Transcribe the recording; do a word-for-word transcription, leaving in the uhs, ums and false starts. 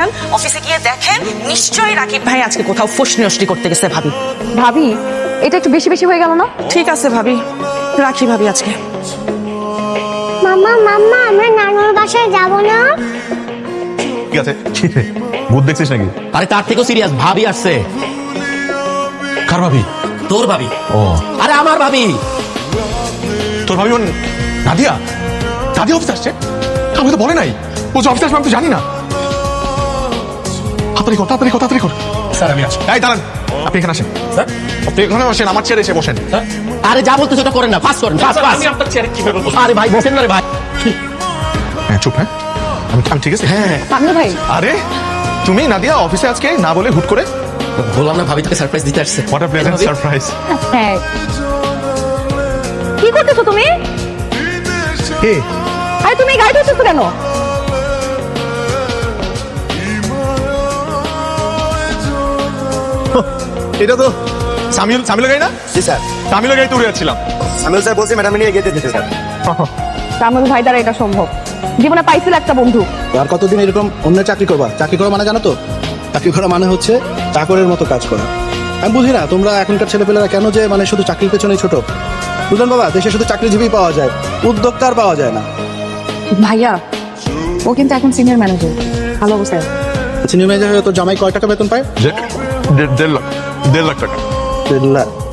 অফিসে গিয়ে দেখেন নিশ্চয়ই রাকিব ভাই আজকে কোথাও ফসনি নষ্টি করতে গেছে ভাবি। ভাবি এটা একটু বেশি বেশি হয়ে গেল না? ঠিক আছে ভাবি, রাখি ভাবি আজকে। মামা মাম্মা আমরা নানুর বাসায় যাব না? ঠিক আছে, ভূত দেখছিস নাকি? আরে তার থেকেও সিরিয়াস, ভাবি আসছে। কার ভাবি? তোর ভাবি। ও আরে আমার ভাবি। তোর ভাবি মানে নাদিয়া? নাদিয়া অফিস আসছে? আমি তো বলে নাই ও যে অফিস আসবে, আমি তো জানি না। তাড়াতাড়ি কর, তাড়াতাড়ি কর, তাড়াতাড়ি কর। স্যার আমি আসছি। এই দাঁড়ান, আপনি এখানে আসেন। স্যার আপনি এখানে বসেন, আমার চেয়ারে এসে বসেন। আরে যা বলতে সেটা করেন না, ফাস্ট করেন, ফাস্ট ফাস্ট। আমি আপনার চেয়ারে কিভাবে বসবো? আরে ভাই বসেন না রে ভাই। হ্যাঁ চুপ, হ্যাঁ আমি আমি ঠিক আছে। হ্যাঁ পাগল ভাই আরে তুমি নাদিয়া অফিসে আজকে না বলে হুট করে? বললাম না ভাবি তোকে সারপ্রাইজ দিতে আসছে। What a pleasant surprise. হ্যাঁ কি করতেছো তুমি? কে? আরে তুমি গাড়ি ধরতেছো কেন? এটা তো সামিউল সামিউল গাই না? জি স্যার। সামিউল গাই তো উড়ে যাচ্ছিলাম। সামিউল স্যার বলছে ম্যাডাম নিয়ে গিয়ে দিতে স্যার। তামিল ভাই দ্বারা এটা সম্ভব। জীবনে পাইছিল একটা বন্ধু। আর কতদিন এরকম অন্য চাকরি করবা? চাকরি করা মানে জানো তো? চাকরি করা মানে হচ্ছে চাকরের মতো কাজ করা। আমি বুঝি না তোমরা এখনকার ছেলেপেলেরা কেন যে মানে শুধু চাকরির পেছনেই ছোট। বুঝলেন বাবা, দেশে শুধু চাকরিজীবী পাওয়া যায়, উদ্যোক্তা আর পাওয়া যায় না। ভাইয়া ও কিন্তু এখন সিনিয়র ম্যানেজার, ভালো অবস্থায়। সিনিয়র ম্যানেজার হয়ে তো জামাই কয় টাকা বেতন পায়? দেড় লাখ, দেড় লাখ টাকা। দেড় লাখ।